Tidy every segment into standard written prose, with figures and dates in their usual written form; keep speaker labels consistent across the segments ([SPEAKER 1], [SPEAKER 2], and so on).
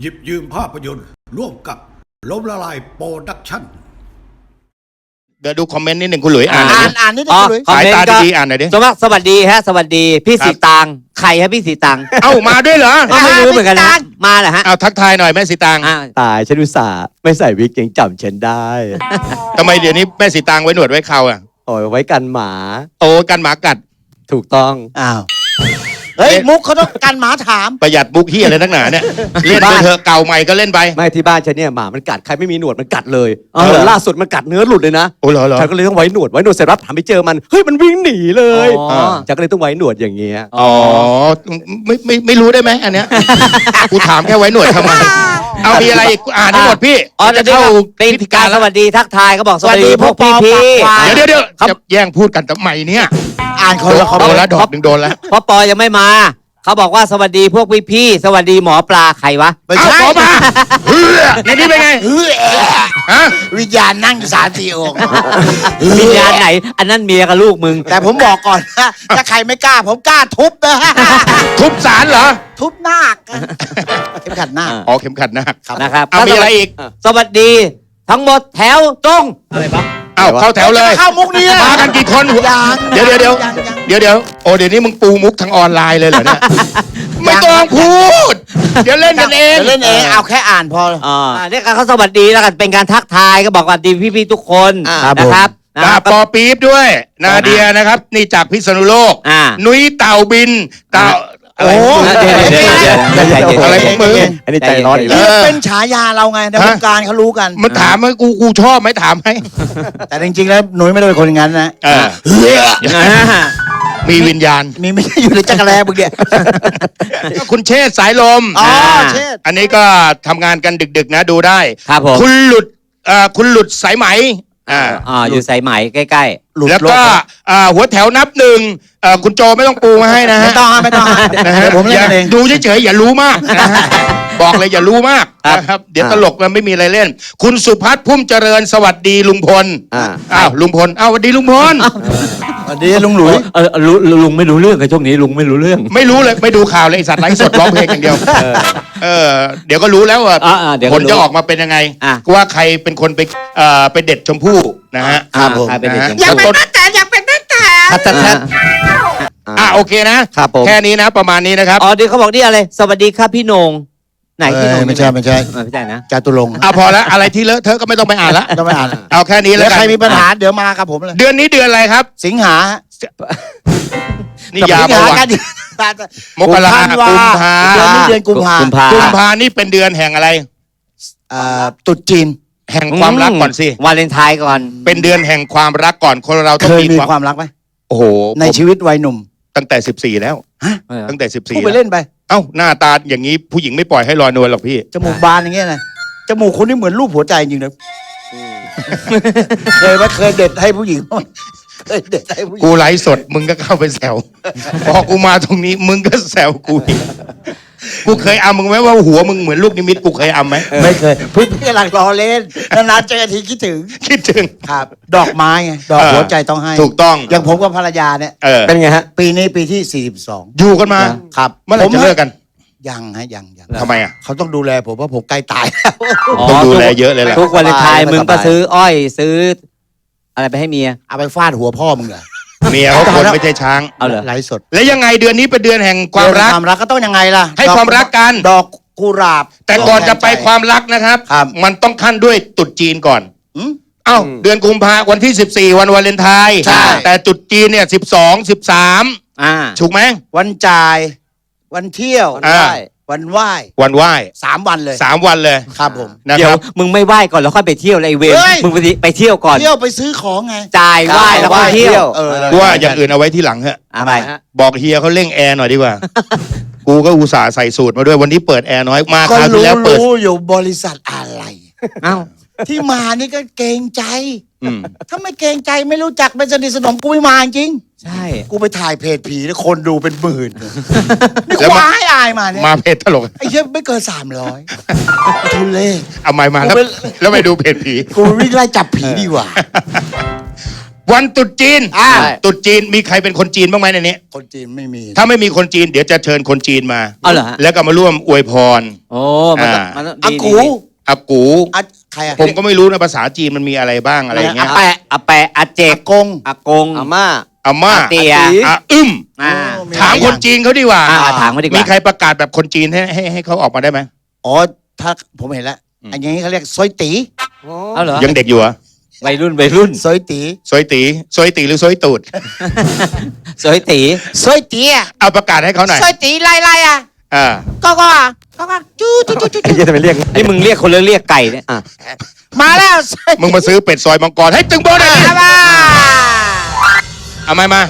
[SPEAKER 1] หยิบยืมภาพยนตร์ร่วมกับล้มละลายโปรดักชั่น
[SPEAKER 2] เดี๋ยวดูคอมเมนต์นิดหนึ่งคุณหลุยอ่าน
[SPEAKER 3] นิด
[SPEAKER 2] หน่อยดิ
[SPEAKER 3] นึงคุณหลุย
[SPEAKER 2] สายตาดีๆอ่านหน่อยดิ
[SPEAKER 4] สวัสดีฮะสวัสดีพี่สีตางใครฮะพี่สีตาง
[SPEAKER 2] เอ้ามาด้วยเหรอ
[SPEAKER 4] ไม่รู้เหมือนกันนะมาเหรอฮะ
[SPEAKER 2] เอาทักทายหน่อยแม่สีตาง
[SPEAKER 5] ตายฉันอุตส่าห์ไม่ใส่วิกยังจำฉันได้
[SPEAKER 2] ทำไมเดี๋ยวนี้แม่สีตางไว้หนวดไว้เคราอ่ะ
[SPEAKER 5] โอ้ยไว้กันหมา
[SPEAKER 2] โตกันหมากัด
[SPEAKER 5] ถูกต้อง
[SPEAKER 3] อ้าวเฮ้ยมุกเขาต้องการหมาถาม
[SPEAKER 2] ประหยัดบุกเฮียอะไรนักหนาเนี่ยเล่นไปเถอะเก่าใหม่ก็เล่นไป
[SPEAKER 5] ไม่ที่บ้านฉันเนี่ยหมามันกัดใครไม่มีหนวดมันกัดเลย
[SPEAKER 4] อ๋อเหรอ
[SPEAKER 5] ล่าสุดมันกัดเนื้อหลุดเลยนะ
[SPEAKER 2] โอ้เหรอ
[SPEAKER 5] ฉันก็เลยต้องไว้หนวดเสร็จรับถามไปเจอมันเฮ้ยมันวิ่งหนีเลย
[SPEAKER 4] อ๋อ
[SPEAKER 5] ฉันก็เลยต้องไว้หนวดอย่างเงี้ย
[SPEAKER 2] อ๋อไม่รู้ได้ไหมอันเนี้ยกูถามแค่ไว้หนวดทำไมเอามีอะไรอีกอ่านให้หมดพี่
[SPEAKER 4] อ๋อ
[SPEAKER 2] จะ
[SPEAKER 4] จะ
[SPEAKER 2] เข้า
[SPEAKER 4] เข้า
[SPEAKER 2] พิ
[SPEAKER 4] พิ
[SPEAKER 2] ธี
[SPEAKER 4] ธี
[SPEAKER 2] กา
[SPEAKER 4] การ ร
[SPEAKER 2] แล้
[SPEAKER 4] ส
[SPEAKER 2] ว
[SPEAKER 4] วัสดีทักทายก็บอกสวัสดีพวกพี่
[SPEAKER 2] เดี๋ยวจะแย่งพูดกันทำไมเนี่ย
[SPEAKER 3] อ่านคนละคอม
[SPEAKER 2] โด
[SPEAKER 3] เม
[SPEAKER 2] น
[SPEAKER 3] น
[SPEAKER 2] แล้ว
[SPEAKER 3] ต์
[SPEAKER 2] ดอกหนึ่งโดนแล้ว
[SPEAKER 4] เพราะปอยังไม่มาเขาบอกว่าสวัสดีพวกพี่สวัสดีหมอปลาใครวะ
[SPEAKER 3] ไม่
[SPEAKER 2] เอา
[SPEAKER 3] ใช่
[SPEAKER 2] ขอมาเฮ้ยในนี้เป็นไง
[SPEAKER 3] เฮ้ย
[SPEAKER 2] ฮะ
[SPEAKER 3] วิญญาณนั่งอยู่3-4 องค์
[SPEAKER 4] วิญญาณไหน อันนั้นเมียกับลูกมึง
[SPEAKER 3] แต่ผมบอกก่อนนะถ้าใครไม่กล้าผมกล้าทุบนะ
[SPEAKER 2] ทุบสารเหรอ
[SPEAKER 3] ทุบนาคเข็มขัดนาค
[SPEAKER 2] อ๋อเข็มขัดนาค
[SPEAKER 4] นะครับ
[SPEAKER 2] เอามีอะไรอีก
[SPEAKER 4] สวัสดี ทั้งหมดแถวตรงอะไรปะ
[SPEAKER 2] เอาเข้าแถวเลย
[SPEAKER 3] เข้ามุกนี้
[SPEAKER 2] มากันกี่คน
[SPEAKER 3] ยัง
[SPEAKER 2] เดี๋ยวโอ้เดี๋ยวนี้มึงปูมุกทางออนไลน์เลยเหรอเนี่ยไม่ต้องพูด เดี๋ยวเล่นกันเอง
[SPEAKER 3] เล่นเองเอาแค่อ่านพอ
[SPEAKER 4] เนี่ยเขาสวัสดีแล้วกันเป็นการทักทายก็บอกว่าดีพี่ๆทุกคน
[SPEAKER 3] ครับผม
[SPEAKER 4] นะครับ
[SPEAKER 2] ดาปอปี๊บด้วย นาเดียนะครับ นี่จากพิษณุโลก นุ้ยเต่าบินเต่าอะไร
[SPEAKER 3] โอ้
[SPEAKER 2] อะไรของมึง
[SPEAKER 5] อันนี้ใจร้อนอีก
[SPEAKER 3] นี่
[SPEAKER 5] แล้ว
[SPEAKER 3] เป็นฉายาเราไงในวงการเขารู้กัน
[SPEAKER 2] มันถามไหมกูชอบไหมถามไหม
[SPEAKER 3] แต่จริงๆแล้วหนุ่ยไม่ได้เป็นคนอย่างนั้นนะ
[SPEAKER 2] มีวิญญาณ
[SPEAKER 3] มีไม่ได้อยู่ในจักรแลมึงเนี่ย
[SPEAKER 2] คุณเชษฐ์สายลม
[SPEAKER 3] อ๋อเชษฐ์
[SPEAKER 2] อันนี้ก็ทำงานกันดึกๆนะดูได้
[SPEAKER 4] ครับผม
[SPEAKER 2] คุณหลุดสายไหม
[SPEAKER 4] อยู่สายไหมใกล้
[SPEAKER 2] แล้วก็หัวแถวนับหนึ่งคุณโจไม่ต้องปูมาให้นะฮะ
[SPEAKER 3] ไม่ต้อง
[SPEAKER 2] นะฮะ
[SPEAKER 3] เดี๋ยวผมเล่นเอง
[SPEAKER 2] ดูเฉยๆอย่ารู้มากนะฮะบอกเลยอย่ารู้มากนะครับเดี๋ยวตลกมันไม่มีอะไรเล่น คุณสุพัฒน์พุ่มเจริญสวัสดีลุงพลอ้าวลุงพลสวัสดีลุงพล
[SPEAKER 3] สวัสดีลุงหลุย
[SPEAKER 5] ลุงไม่รู้เรื่องไอ้ช่วงนี้ลุงไม่รู้เรื่อง
[SPEAKER 2] ไม่รู้เลยไม่ดูข่าวเลยไอ้สัตว์ไร้สดร้องเพลงอย่างเดียวเดี๋ยวก็รู้แล้วว่า
[SPEAKER 4] เดี๋ยว
[SPEAKER 2] ผ
[SPEAKER 4] ก็
[SPEAKER 2] ล
[SPEAKER 4] รู้
[SPEAKER 2] จะออกมาเป็นยังไงว่าใครเป็นคนไปเด็ดชมพู่นะฮะ
[SPEAKER 4] ครับผมเป็นเด็ก
[SPEAKER 2] อยากเป็น
[SPEAKER 4] ชัด
[SPEAKER 2] โอเคนะ
[SPEAKER 5] ครับผม
[SPEAKER 2] แค่นี้นะประมาณนี้นะครับ
[SPEAKER 4] อ๋อเดี๋ยวเขาบอกนี่อะไรสวัสดีครับพี่โหนงไหนพี่โหนง
[SPEAKER 3] ไม่ใช่
[SPEAKER 4] ไม่ใช่นะ
[SPEAKER 3] จาตุรงค์
[SPEAKER 2] พอแล้วอะไรที่เลอะเธอะก็ไม่ต้องไปอ่านละ
[SPEAKER 3] ต้องไปอ่าน
[SPEAKER 2] เอาแค่นี้แล้
[SPEAKER 3] แล้ว ว
[SPEAKER 2] กัน
[SPEAKER 3] ใครมีปัญหาเดี๋ยวมากับผมเลย
[SPEAKER 2] เดือนนี้เดือนอะไรครับ
[SPEAKER 3] สิงหา
[SPEAKER 2] นี่ยา
[SPEAKER 3] สิง
[SPEAKER 2] ประ
[SPEAKER 3] หา
[SPEAKER 2] วั
[SPEAKER 3] กัน
[SPEAKER 2] ติ
[SPEAKER 3] ดิ
[SPEAKER 2] มกรา
[SPEAKER 3] ธันว
[SPEAKER 2] กุมภา
[SPEAKER 3] เดือนนี้เดือนกุมภา
[SPEAKER 2] กุมภานี่เป็นเดือนแห่งอะไร
[SPEAKER 3] ตรุษจีน
[SPEAKER 2] แห่งความรักก่อนสิ
[SPEAKER 4] วาเลนไทน์ก่อน
[SPEAKER 2] เป็นเดือนแห่งความรักก่อนคนเราต้อ
[SPEAKER 3] เค
[SPEAKER 2] ง
[SPEAKER 3] ย
[SPEAKER 2] มี
[SPEAKER 3] มี
[SPEAKER 2] ความ
[SPEAKER 3] ความรักไหม
[SPEAKER 2] โอ้โห
[SPEAKER 3] ในชีวิตวัยหนุ่ม
[SPEAKER 2] ตั้งแต่14แล้วตั้งแต่
[SPEAKER 3] พูด
[SPEAKER 2] 14
[SPEAKER 3] ไป
[SPEAKER 2] แล้ว
[SPEAKER 3] เล่นไป
[SPEAKER 2] เอ้าหน้าตาอย่างนี้ผู้หญิงไม่ปล่อยให้ลอยนวลหรอกพี่
[SPEAKER 3] จมูกบานอย่างเงี้ยนะจมูกคนนี้เหมือนรูปหัวใจจริงๆนะเคยเด็ดให้ผู้หญิงเคยเด็ดให้ผู้หญิง
[SPEAKER 2] กูไลฟ์สดมึงก็เข้าไปแซวพอกูมาตรงนี้มึงก็แซวกูอีกกูเคยอำมึงไหมว่าหัวมึงเหมือนลูกนิมิตกูเคยอำไหม
[SPEAKER 3] ไม่เคยพี่กำลังรอเล่นนานๆเจอทีคิดถึง
[SPEAKER 2] คิดถึง
[SPEAKER 3] ครับ ดอกไม้ไงดอกหัวใจต้องให้
[SPEAKER 2] ถูกต้อง
[SPEAKER 3] อย่างผมกับภรรยาเนี่ย
[SPEAKER 5] เป็นไงฮะ
[SPEAKER 3] ปีนี้ปีที่42
[SPEAKER 2] อยู่กันมา
[SPEAKER 3] ครับ
[SPEAKER 2] เมื่อไหร่จะเลิกกัน
[SPEAKER 3] ยังยัง
[SPEAKER 2] ทำไมอ่ะ
[SPEAKER 3] เขาต้องดูแลผมเพราะผมใกล้ตายแล้ว
[SPEAKER 2] ต้องดูแลเยอะเลยแหละ
[SPEAKER 4] ทุกวาเลนไทน์
[SPEAKER 3] สบาย
[SPEAKER 4] มึงก็ซื้ออ้อยซื้อ อะไรไปให้เมีย
[SPEAKER 3] เอาไปฟาดหัวพ่อมึงเหรอ
[SPEAKER 2] เมียเขาคนไม่ใช่ช้าง
[SPEAKER 4] เอาเหรอ
[SPEAKER 3] ไลฟ์สด
[SPEAKER 2] แล้วยังไงเดือนนี้เป็นเดือนแห่งความรัก
[SPEAKER 3] ความรักก็ต้องยังไงล่ะ
[SPEAKER 2] ให้ความรักกัน
[SPEAKER 3] ดอกกุหลาบ
[SPEAKER 2] แต่ก่อนจะไปความรักนะครับ
[SPEAKER 3] ครับ
[SPEAKER 2] มันต้องขั้นด้วยตรุษจีนก่อน
[SPEAKER 3] อืม
[SPEAKER 2] เอ้าเดือนกุมภาวันที่14วันวาเลนไทน์
[SPEAKER 3] ใช่
[SPEAKER 2] แต่ตรุษจีนเนี่ย12 13ถูกไหม
[SPEAKER 3] วันจ่าย วันเที่ยว วันไหว้
[SPEAKER 2] วันไหว้
[SPEAKER 3] 3 วันเลย
[SPEAKER 2] 3 วันเลย
[SPEAKER 3] ครับผม
[SPEAKER 2] นะ
[SPEAKER 4] เดี๋
[SPEAKER 2] ค
[SPEAKER 4] ยว
[SPEAKER 2] รับ
[SPEAKER 4] มึงไม่ไหว้ก่อนแล้วค่อยไปเที่ยวเลยไอ้เวร
[SPEAKER 3] เฮ้ย
[SPEAKER 4] มึงไปเที่ยวก่อน
[SPEAKER 3] เที่ยวไปซื้อของไง
[SPEAKER 4] จ่ายไหว้แล้วก็เที่ยว
[SPEAKER 2] กูว่าอย่างอื่นเอาไว้ที่หลังเถอะ
[SPEAKER 4] อะไร
[SPEAKER 2] บอกเฮียเขาเร่งแอร์หน่อยดีกว่า กูก็อุตส่าห์ใส่สูตรมาด้วยวันนี้เปิดแอร์น้อยมา
[SPEAKER 3] ก็
[SPEAKER 2] คราวที่แล้วเปิด
[SPEAKER 3] รู้อยู่บริษัทอะไร
[SPEAKER 4] เอ้า
[SPEAKER 3] ที่มานี่ก็เกรงใจ
[SPEAKER 2] อืม
[SPEAKER 3] ถ้าไม่เกรงใจไม่รู้จักไม่สนิทสนมกูไม่มาจริง
[SPEAKER 4] ใช่
[SPEAKER 3] กูไปถ่ายเพจผีแล้วคนดูเป็นหมื่นนี่
[SPEAKER 2] แล้ว
[SPEAKER 3] ค
[SPEAKER 2] มา
[SPEAKER 3] ว้ายอายมาเนี่ย
[SPEAKER 2] มาเพจตลก
[SPEAKER 3] ไอ้เหี้ยไม่เกิน300ทุเล่
[SPEAKER 2] เอาไม้มาแล้ว
[SPEAKER 3] กูไป
[SPEAKER 2] แล้วไปดูเพจผี
[SPEAKER 3] กูวิ่งไล่จับผีดีกว่า
[SPEAKER 2] วันตรุษจีน
[SPEAKER 3] อ่า
[SPEAKER 2] ตรุษจีนมีใครเป็นคนจีนบ้างไหมในนี้
[SPEAKER 1] คนจีนไม่มี
[SPEAKER 2] ถ้าไม่มีคนจีนเดี๋ยวจะเชิญคนจีนมา
[SPEAKER 4] เอาเหรอฮะ
[SPEAKER 2] แล้วก็มาร่วมอวยพร
[SPEAKER 4] โอ้มันต้อง
[SPEAKER 2] อ่ามั
[SPEAKER 4] มันต้อง
[SPEAKER 3] อา
[SPEAKER 4] ดี
[SPEAKER 3] กู
[SPEAKER 4] ดี
[SPEAKER 2] อากู
[SPEAKER 3] อะใครอะ
[SPEAKER 2] ผมก็ไม่รู้นะภาษาจีนมันมีอะไรบ้างอะไรอย่างเงี้ย
[SPEAKER 3] อาแปะ
[SPEAKER 4] อาแปะอาเจ
[SPEAKER 3] อาก กง
[SPEAKER 4] อากง
[SPEAKER 5] อาม่า
[SPEAKER 2] อาม่า
[SPEAKER 4] อาเตีย
[SPEAKER 2] อาอึ้ม
[SPEAKER 4] อ่า
[SPEAKER 3] มี
[SPEAKER 2] ถามคนจีนเขาดีกว่า
[SPEAKER 4] ถามมาดีก
[SPEAKER 2] มี
[SPEAKER 4] ว่า
[SPEAKER 2] ใครประกาศแบบคนจีนให้เขาออกมาได้ไหม
[SPEAKER 3] อ๋อถ้าผมเห็นแล้วอันนี้เขาเรียกซอยตี
[SPEAKER 4] เอาเหรอ
[SPEAKER 2] ยังเด็กอยู่เหรอ
[SPEAKER 4] วัยรุ่นวัยรุ่น
[SPEAKER 3] ซอยตี
[SPEAKER 2] ซอยตีซอยตีหรือซอยตูด
[SPEAKER 4] สวยตี
[SPEAKER 3] ซอยตีอะ
[SPEAKER 2] เอาประกาศให้เขาหน่อย
[SPEAKER 3] ซอยตีไล่อะ
[SPEAKER 2] อ่า
[SPEAKER 3] ก็อะก็จู้จู้จู้จู้
[SPEAKER 5] ไอ้เหี้ยจะไปเรียก
[SPEAKER 4] นี่มึงเรียกคนเรียกไก่เนี่ย
[SPEAKER 3] มาแล้วซอย
[SPEAKER 2] มึงมาซื้อเป็ดซอยมังกรให้ตึงโบหน่อยดิ
[SPEAKER 3] มา
[SPEAKER 2] เอามา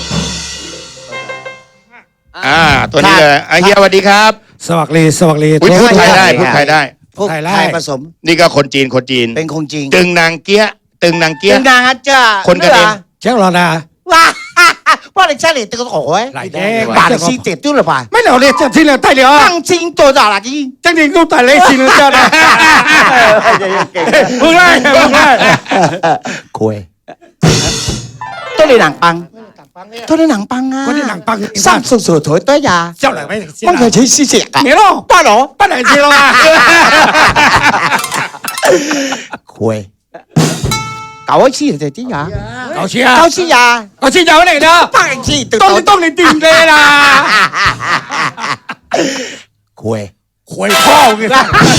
[SPEAKER 2] ตัวนี้เลยไอ้เฮียสวัสดีครับ
[SPEAKER 6] สวัสดีสวัสดี
[SPEAKER 2] อุ๊ยพูดไทยได้พูดไทยได้
[SPEAKER 3] พวก
[SPEAKER 6] ไทยไล่
[SPEAKER 3] ไทยผสม
[SPEAKER 2] นี่ก็คนจีนคนจีน
[SPEAKER 3] เป็นคงจริง
[SPEAKER 2] ตึงนางเกี้ยตึงนางเกี้ย
[SPEAKER 3] เป็นนางอาจารย์
[SPEAKER 2] คนกันเอง
[SPEAKER 6] เจ้าหลอดา
[SPEAKER 3] ว้าว่าอะไรใช่เลยตึกโอ้ย
[SPEAKER 6] หลายแดง
[SPEAKER 3] ป่าเลยซีเจ็ดตู้หรือเปล่า
[SPEAKER 6] ไม่เหล่าเรียกเจ้าที่เหลือใต้เหลือ
[SPEAKER 3] ตั้งจริงตัวจ่าละจี
[SPEAKER 6] จังจริงกูตายเลยสิเหลือเจ้านะมึงไล่มึงไล่
[SPEAKER 3] คุยตัวในหนังปังตัวในหนังปังอ่ะ
[SPEAKER 6] คนที่หนังปัง
[SPEAKER 3] สร้างสุดๆถอยตัวยา
[SPEAKER 6] เจ้าไหนไม่
[SPEAKER 3] มันเคยใช้ซีเสียกอะ
[SPEAKER 6] เมียน้องป้าหรอป้าไหนจีหรอ
[SPEAKER 3] คุยเก่าไอ้ชี้แต่ที่ยา
[SPEAKER 6] เอาเชียร์
[SPEAKER 3] เก่าชี้ยา
[SPEAKER 6] เอาเชียร์เจ้าไหนเนาะ
[SPEAKER 3] ปังไอ้ชี้ตึก
[SPEAKER 6] ต้องในติ่งเลยนะ
[SPEAKER 3] คุย
[SPEAKER 6] ควยพ่อไง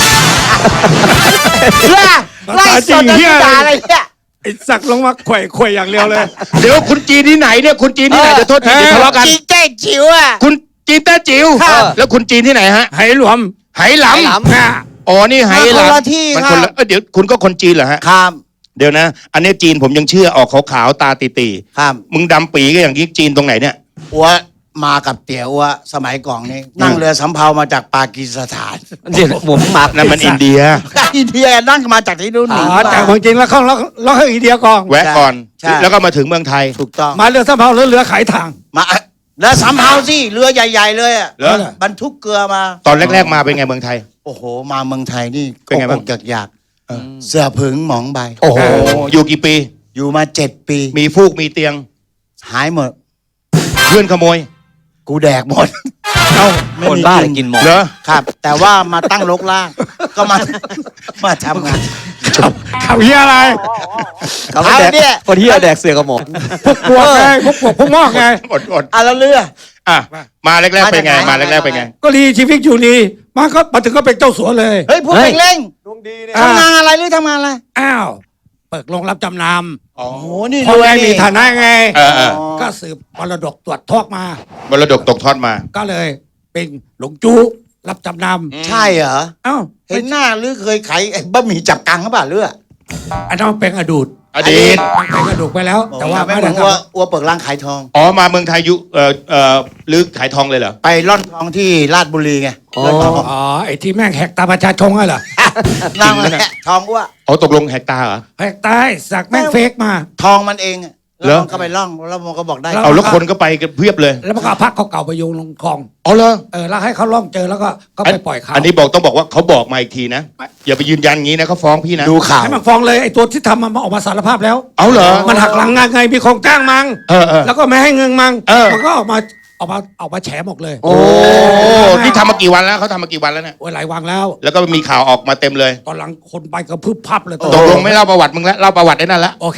[SPEAKER 3] ไล่สดที่ยาอะไรเนี่ย
[SPEAKER 6] ไอ้สักลงมาควยอย่างเดียวเลย
[SPEAKER 2] เดี๋ยวคุณจีนที่ไหนเนี่ยคุณจีนที่ไหนจะโทษทีจะทะเลาะกัน
[SPEAKER 3] จีแจ้จิ๋วอ่ะ
[SPEAKER 2] คุณจีนแต้จิ๋ว
[SPEAKER 3] ครับ
[SPEAKER 2] แล้วคุณจีนที่ไหนฮะ
[SPEAKER 6] ไหหลวม
[SPEAKER 2] ไหหลำอ๋อนี่ไหห
[SPEAKER 3] มาคนละ
[SPEAKER 2] ลำ
[SPEAKER 3] ที่
[SPEAKER 2] มัน
[SPEAKER 3] ครั
[SPEAKER 2] คน
[SPEAKER 3] บ
[SPEAKER 2] ละเดี๋ยวคุณก็คนจีนเหรอฮะ
[SPEAKER 3] ครับ
[SPEAKER 2] เดี๋ยวนะ อันนี้จีนผมยังเชื่อออกขาวๆตาตี
[SPEAKER 3] ครับ
[SPEAKER 2] ๆมึงดำปีก็อย่างนี้จีนตรงไหนเนี่ย
[SPEAKER 3] อัวมากับเตี๋ยวอัวสมัยก่อนนี่นั่งเรือสำเภามาจากปากีสถาน
[SPEAKER 4] เดี๋ยวผมมา
[SPEAKER 2] นั่นมันอินเดีย
[SPEAKER 3] อินเดียนั่งมาจากที่นู่นห
[SPEAKER 6] อ๋
[SPEAKER 3] นี
[SPEAKER 6] อจากเมืองจีนแล้วเข้าแล้วให้อินเดียกอง
[SPEAKER 2] แวะก่อน
[SPEAKER 3] ใช่
[SPEAKER 2] แล้วก็มาถึงเมืองไทย
[SPEAKER 3] ถูกต้อง
[SPEAKER 6] มาเรือสำเภาเรือขายทาง
[SPEAKER 3] มาเรือสำเภาสิเรือใหญ่ๆเลยอะ
[SPEAKER 2] เหรอ
[SPEAKER 3] บรรทุกเกลือมา
[SPEAKER 2] ตอนแรก ๆ มาเป็นไงเมืองไทย
[SPEAKER 3] โอ้โห มาเมืองไทยนี่
[SPEAKER 2] เป็นไงบ้าง
[SPEAKER 3] อกๆอยากๆเสื้อผึงหมองใบ
[SPEAKER 2] โอ้โหอยู่กี่ปี
[SPEAKER 3] อยู่มา7 ปี
[SPEAKER 2] มีฟูกมีเตียง
[SPEAKER 3] หายหมด
[SPEAKER 2] เพื่อนขโมย
[SPEAKER 3] กูแดกหมด
[SPEAKER 2] เอ้า
[SPEAKER 4] คนบ้าเลยกินหมด
[SPEAKER 2] เหรอ
[SPEAKER 3] ครับ แต่ว่ามาตั้งรกล่างก็มา มาทำงาน
[SPEAKER 6] เขาเฮียอะไร
[SPEAKER 5] เขาไม่แดก
[SPEAKER 3] เอาเนี่ย
[SPEAKER 5] คนเหี้ยแดกเสือกับหมอ
[SPEAKER 6] พวกปวกไงพวกปวกพวกงอกไง
[SPEAKER 2] อด
[SPEAKER 3] อ่ะแล้วเรือ
[SPEAKER 2] อ่ะมาแรกๆเป็นไง
[SPEAKER 3] มา
[SPEAKER 2] มา
[SPEAKER 3] จากไหน
[SPEAKER 2] แรกๆเป็นไง
[SPEAKER 6] ก็ดีชีวิตอยู่ดีมาถึงก็เป็นเจ้าสัวเลย
[SPEAKER 3] เฮ้ยพวกเพ่งเล่ง
[SPEAKER 6] อ่า
[SPEAKER 3] ทำงานอะไรหรือทำงานอะไร
[SPEAKER 6] อ้าวเปิดโรงรับจำน
[SPEAKER 3] โอ้โหนี่
[SPEAKER 6] ำพ่อ
[SPEAKER 3] รวย
[SPEAKER 6] แม่มี
[SPEAKER 3] นี่
[SPEAKER 6] ฐานะไง
[SPEAKER 2] เออ
[SPEAKER 6] ก็สืบมรดกตรวจทอกมา
[SPEAKER 2] มรดกตกทอดมา
[SPEAKER 6] ก็เลยเป็นหลงจู้รับจำน
[SPEAKER 3] ใช่เหรอ
[SPEAKER 6] ำอ้าว
[SPEAKER 3] เห็นหน้าหรือเคยขายไอ้บะหมี่จับกังหรือเปล่าเรือ
[SPEAKER 6] อันนั้นเป็นอดูต
[SPEAKER 2] อดีต
[SPEAKER 6] เป็นอดูตไปแล้ว แต่ว่า
[SPEAKER 3] ไม่
[SPEAKER 6] ไม่
[SPEAKER 3] เหมื
[SPEAKER 6] ได้
[SPEAKER 3] อน
[SPEAKER 6] ท
[SPEAKER 3] อัวเปิดร้านขายทอง
[SPEAKER 2] อ๋อมาเมืองไทยยุหรือขายทองเลยเหรอ
[SPEAKER 3] ไปร่อนทองที่ราชบุรีไงร่อนทอง
[SPEAKER 6] ำอ๋อไอ้ที่แม่งแหกตาประชาชนไงเหรอ
[SPEAKER 3] นั่งแหละทองอ้ว
[SPEAKER 2] อ๋อตกลงแหกตาเหรอ
[SPEAKER 6] แหกตายสักแม่งเฟกมา
[SPEAKER 3] ทองมันเองอะ
[SPEAKER 2] เหร
[SPEAKER 3] แล้ว
[SPEAKER 2] อ
[SPEAKER 3] มันก็ไปล่องแล้วมันก็บอกได้
[SPEAKER 2] เอาแล้วคนก็ไปกันเพียบเลย
[SPEAKER 6] แล้วมันก็เอาพักเก่าๆไปโยงลงคลอง
[SPEAKER 2] อ๋อเหรอ
[SPEAKER 6] แล้วให้เขาล่องเจอแล้วก็ไปปล่อยเขา
[SPEAKER 2] อันนี้ต้องบอกว่าเขาบอกมาอีกทีนะ อย่าไปยืนยันงี้นะเขาฟ้องพี่นะ
[SPEAKER 3] ดูข่าว
[SPEAKER 6] ให้มันฟ้องเลยไอ้ตัวที่ทำมันออกมาสารภาพแล้ว
[SPEAKER 2] เอาเหรอ
[SPEAKER 6] มันหักหลังงานไงมีของจ้างมัง
[SPEAKER 2] เออ
[SPEAKER 6] แล้วก็ไม่ให้เงินมัง
[SPEAKER 2] เออ
[SPEAKER 6] มันก็ออกมาแฉหมดเลย
[SPEAKER 2] โอ้นี่ทำมากี่วันแล้วเขาทำมากี่วันแล้วเนี่ย
[SPEAKER 6] โอ้ยหลายวังแล้ว
[SPEAKER 2] แล้วก็มีข่าวออกมาเต็มเลย
[SPEAKER 6] ตอนหลังคนไปก็พึบพับเลย
[SPEAKER 2] ตกลงไม่เล่าประวัติมึงแล้วเล่าประวัติได้นั่นละ
[SPEAKER 6] โอเค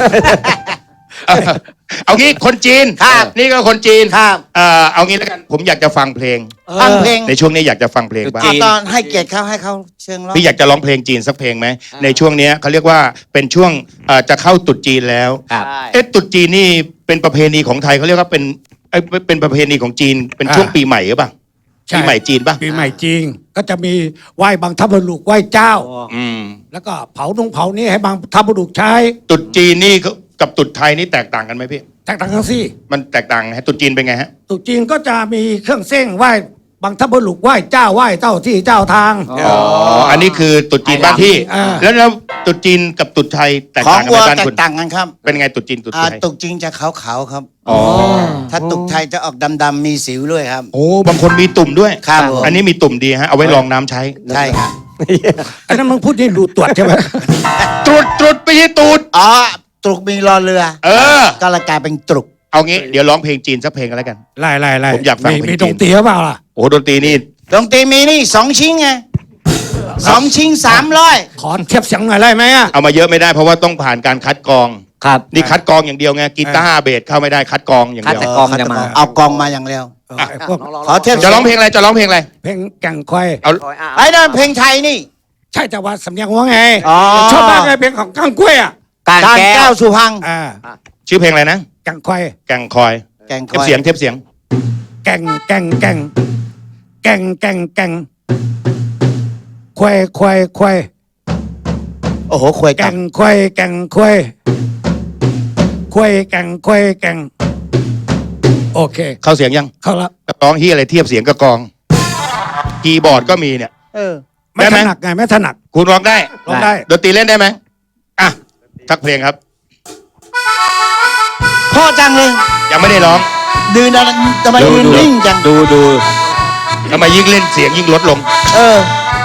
[SPEAKER 2] เอางี้คนจีน
[SPEAKER 3] ครับ
[SPEAKER 2] นี่ก็คนจีน
[SPEAKER 3] ครับ
[SPEAKER 2] เอางี้แล้วกันผมอยากจะฟังเพลง
[SPEAKER 3] ฟังเพลง
[SPEAKER 2] ในช่วงนี้อยากจะฟังเพลงบ้าง
[SPEAKER 4] จีน
[SPEAKER 3] ตอนให้เกียรติเขาให้เขาเชิงร้อง
[SPEAKER 2] พี่อยากจะร้องเพลงจีนสักเพลงไหมในช่วงเนี้ยเขาเรียกว่าเป็นช่วงจะเข้าตรุษจีนแล้ว
[SPEAKER 4] ครับ
[SPEAKER 2] ตรุษจีนนี่เป็นประเพณีของไทยเขาเรียกว่าเป็นประเพณีของจีนเป็นช่วงปีใหม่หรือเปล่า
[SPEAKER 6] ใช่
[SPEAKER 2] ปีใหม่จีนป่ะ
[SPEAKER 6] ปีใหม่จริง ก็จะมีไหว้บางทัพบุรุษไหว้เจ้า
[SPEAKER 2] อืม
[SPEAKER 6] แล้วก็เผานี่ให้บางทัพบุรุษใช้
[SPEAKER 2] ตรุษจีนนี่กับตรุษไทยนี่แตกต่างกันไหมพี่
[SPEAKER 6] แตกต่างกันสิ
[SPEAKER 2] มันแตกต่างฮะตรุษจีนเป็นไงฮะ
[SPEAKER 6] ตรุษจีนก็จะมีเครื่องเส้นไหว้บางทัพบุรุษไหว้เจ้าไหว้เจ้าที่เจ้าทาง
[SPEAKER 2] อ๋ออันนี้คือตรุษจีนบ้านพี่
[SPEAKER 6] อ่า
[SPEAKER 2] แล้วตรุษจีนกับตรุษไทยแตก
[SPEAKER 3] ของ
[SPEAKER 2] ต่างกัน
[SPEAKER 3] วั
[SPEAKER 2] ไห
[SPEAKER 3] ว
[SPEAKER 2] มบ้าน
[SPEAKER 3] แต
[SPEAKER 2] คุ
[SPEAKER 3] ก
[SPEAKER 2] ณ
[SPEAKER 3] ต่างกันครับ
[SPEAKER 2] เป็นไงตรุษจีนตรุษไทย
[SPEAKER 3] ตุกจริงจะขาวๆครับ
[SPEAKER 2] อ๋อ
[SPEAKER 3] ถ้าตุกไทยจะออกดำๆมีสิวด้วยครับ
[SPEAKER 2] โอ้บางคนมีตุ่มด้วย
[SPEAKER 3] ครับผม
[SPEAKER 2] อันนี้มีตุ่มดีฮะเอาไว้รองน้ำใช้
[SPEAKER 3] ใช่ครับ
[SPEAKER 6] อันนั้นมึงพูดนี่ดูตรวจใช่ไหม
[SPEAKER 2] ตรุษไปที่ตูด
[SPEAKER 3] อ๋อตรุกมีรอเรือ
[SPEAKER 2] เออ
[SPEAKER 3] ก็เลยกลายเป็นตรุก
[SPEAKER 2] เอางี้เดี๋ยวร้องเพลงจีนสักเพลงกันแล้วกัน
[SPEAKER 6] ไล่
[SPEAKER 2] ผมอยากฟังเพลง
[SPEAKER 6] มี
[SPEAKER 2] จีน
[SPEAKER 6] ตรงเตี๋ยเปล่าล่ะ
[SPEAKER 2] โอ้โหดนตรีนี่
[SPEAKER 3] ดนตรีมีนี่2 ชิ้นไง2 ชิ้น300
[SPEAKER 6] ขอเทียบเสียงหน่อยได้ไหมอ่ะ
[SPEAKER 2] เอามาเยอะไม่ได้เพราะว่าต้องผ่านการคัดกรอง
[SPEAKER 4] ครับ
[SPEAKER 2] นี่คัดกรองอย่างเดียวไงกีตาร์เบสเข้าไม่ได้คัดกรองอย่าง
[SPEAKER 4] คัด
[SPEAKER 2] เดียว
[SPEAKER 4] แต่กองจะมา
[SPEAKER 3] เอากองมาอย่างเร็ว
[SPEAKER 6] ไอ้พวก
[SPEAKER 3] ขอเทียบ
[SPEAKER 2] จะร้องเพลงอะไรจะร้องเพลงอะไร
[SPEAKER 6] เพลงแก่งควาย
[SPEAKER 2] เอา
[SPEAKER 3] ไอ้นั่นเพลงไทยนี่
[SPEAKER 6] ใช่แต่ว่าสำเนียงหัวไง
[SPEAKER 3] อ๋อ
[SPEAKER 6] ชอบมากเลยเพลงของก้างกล้วยอ่ะ
[SPEAKER 4] การ
[SPEAKER 3] การ
[SPEAKER 4] แก้
[SPEAKER 3] แก้
[SPEAKER 4] ว
[SPEAKER 3] วสุพรรณ
[SPEAKER 6] อ่า
[SPEAKER 2] ชื่อเพลงอะไรนะ
[SPEAKER 6] แก่งควาย
[SPEAKER 2] แก่งคอย
[SPEAKER 3] แก่งค
[SPEAKER 2] เทียบ
[SPEAKER 3] อย
[SPEAKER 2] เสียงเทียบเสียง
[SPEAKER 6] แก่งแก่งแก่งแก่งแก่งแก่งควายควายควาย
[SPEAKER 3] โอ้โหควยกั
[SPEAKER 6] แก่
[SPEAKER 3] บ
[SPEAKER 6] งควายแก่งควายควายแก่งควายแก่งโอเค
[SPEAKER 2] เข้าเสียงยัง
[SPEAKER 6] เข้าละ
[SPEAKER 2] ร้องที่อะไรเทียบเสียงกับกลองคีย์บอร์ดก็มีเนี่ย
[SPEAKER 6] ไม่
[SPEAKER 2] ได้ไห
[SPEAKER 6] ถ
[SPEAKER 2] ม
[SPEAKER 6] นัดไงไม่ถนัด
[SPEAKER 2] คุณร้องได้
[SPEAKER 6] ร้องได้
[SPEAKER 2] ดนตรีเล่นได้ไหมอ่ะสักเพลงครับ
[SPEAKER 3] พ่อจังเลย
[SPEAKER 2] ยังไม่ได้ร้อง
[SPEAKER 3] ดืนอะไรทำไมยืนนิ่งจัง
[SPEAKER 4] ดู
[SPEAKER 2] ทำไมยิ่งเล่นเสียงยิ่งลดลง
[SPEAKER 3] เออ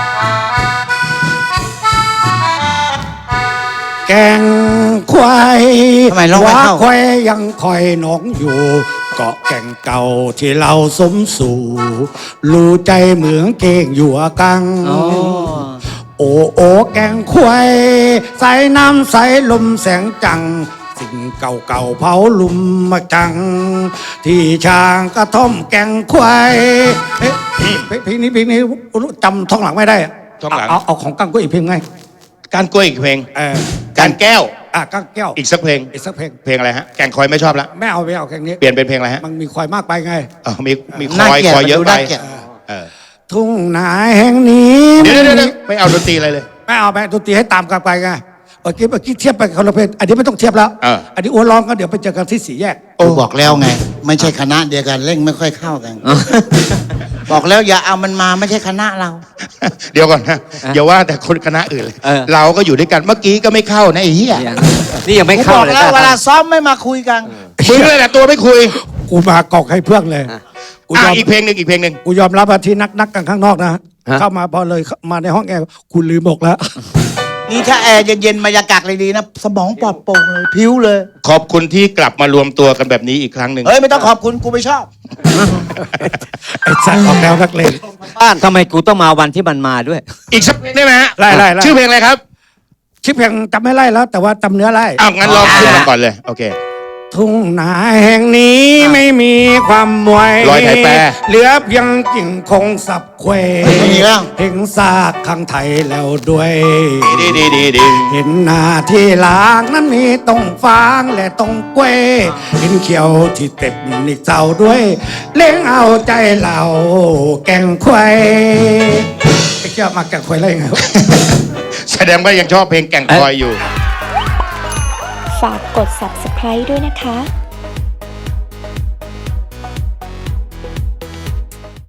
[SPEAKER 6] แก่งควาย
[SPEAKER 3] ทำไมร้องไม่เข้า
[SPEAKER 6] ควายยังคอยหนองอยู่ เกาะแก่งเก่าที่เราสมสู่รู้ใจเหมืองเก่งอยู่อะกัง โอ้โอแกงควายใส่น้ำใส่ลมแสงจัง สิ่งเก่าๆเผาลุมมาจัง ที่ช้างกระท่อมแกงควายเอ๊ะเพลงนี้จำท่องหลังไม่ได้อะ
[SPEAKER 2] ท่องหลัง
[SPEAKER 6] เอาของกังก็อีกเพลงไง
[SPEAKER 2] การกล้วยอีกเพลง
[SPEAKER 6] เออ
[SPEAKER 2] การแก้ว
[SPEAKER 6] กังแก้ว
[SPEAKER 2] อีกสักเพลง
[SPEAKER 6] อีกสักเพลง
[SPEAKER 2] เพลงอะไรฮะแก่งคอยไม่ชอบละ
[SPEAKER 6] ไม่เอาเพลงนี้
[SPEAKER 2] เปลี่ยนเป็นเพลงอะไรฮะ
[SPEAKER 6] มันมีควายมากไปไง
[SPEAKER 2] มีค
[SPEAKER 3] น่า
[SPEAKER 2] อย
[SPEAKER 3] เกลียด
[SPEAKER 2] คอยเยอะ
[SPEAKER 3] มันดู
[SPEAKER 2] ไป
[SPEAKER 3] น่าเกลียด
[SPEAKER 2] เออ
[SPEAKER 6] ทุ่งนาแห่งนี้
[SPEAKER 2] เดี๋ยวไม่เอาดนตรีอะไรเลย
[SPEAKER 6] ไม่เอาไปดนตรีให้ตามกันไปไงเมื่อกี้เทียบไปคนละเพลงอันนี้ไม่ต้องเทียบแล้ว อันนี้อ้วนร้องก็เดี๋ยวไปเจอกันที่สี่แยก
[SPEAKER 3] โอ้บอกแล้วไง ไม่ใช่คณะเดียวกันเล่งไม่ค่อยเข้ากัน บอกแล้วอย่าเอามันมาไม่ใช่คณะเรา
[SPEAKER 2] เดี๋ยวก่อนนะอย่าว่าแต่คนคณะอื่นเลย เราก็อยู่ด้วยกันเมื่อกี้ก็ไม่เข้านะไอ้เหี้ย
[SPEAKER 4] นี่ยังไม่
[SPEAKER 3] กู
[SPEAKER 4] เข้า
[SPEAKER 3] บอก
[SPEAKER 4] เลย
[SPEAKER 3] แล้วเวลาซ้อมไม่มาคุยกัน
[SPEAKER 2] มึงเลยแหละตัวไม่คุย
[SPEAKER 6] กูมากอกให้เพื่อนเลยกูยอม
[SPEAKER 2] อีกเพลงหนึ่งอีกเพลงหนึ่ง
[SPEAKER 6] กูยอมรับว่าที่นักกันข้างนอกนะเข้ามาพอเลยมาในห้องแอร์กูลืมบอกแล้ว
[SPEAKER 3] นี่ถ้าแอร์เย็นๆบรรยากาศเลยดีนะ สมองปลอดโปร่งเลยพิ้วเลย
[SPEAKER 2] ขอบคุณที่กลับมารวมตัวกันแบบนี้อีกครั้งหนึ่ง
[SPEAKER 3] เฮ้ย ไม่ต้องขอบคุณกูไม่ชอบ
[SPEAKER 6] ไอ้สัตว์ออกแนวนักเลง
[SPEAKER 4] ทำไมกูต้องมาวันที่มันมาด้วย
[SPEAKER 2] อีกสักเพลงได้ไหมฮะ
[SPEAKER 6] ไล่
[SPEAKER 2] ชื่อเพลงอะไรครับ
[SPEAKER 6] ชื่อเพลงจำไม่ไล่แล้ว แต่ว่าจำเนื้อไล่
[SPEAKER 2] อ้าวงั้นลองขึ้นมาก่อนเลยโอเค
[SPEAKER 6] ทุ่งนาแห่งนี้ไม่มีความมวย
[SPEAKER 2] รอยไทยแปร
[SPEAKER 6] เหลือเพียงกิ่งคงสับเคว
[SPEAKER 3] ไม่มีแล้ว
[SPEAKER 6] เห็นซากข้างไทยแล้วด้วย
[SPEAKER 2] ดี
[SPEAKER 6] เห็นหน้าที่หลางนั้นมีตรงฟางและตรงเกวยเห็นเขียวที่เต็บนิกเจ้าด้วย เลี้ยงเอาใจเราแกงควายไอ้เจ้ามาแกงควายอะไรไงวะ
[SPEAKER 2] แสดงว่ายังชอบเพลงแก่งคอยอยู่
[SPEAKER 7] ฝากกด subscribe ด้วยนะคะ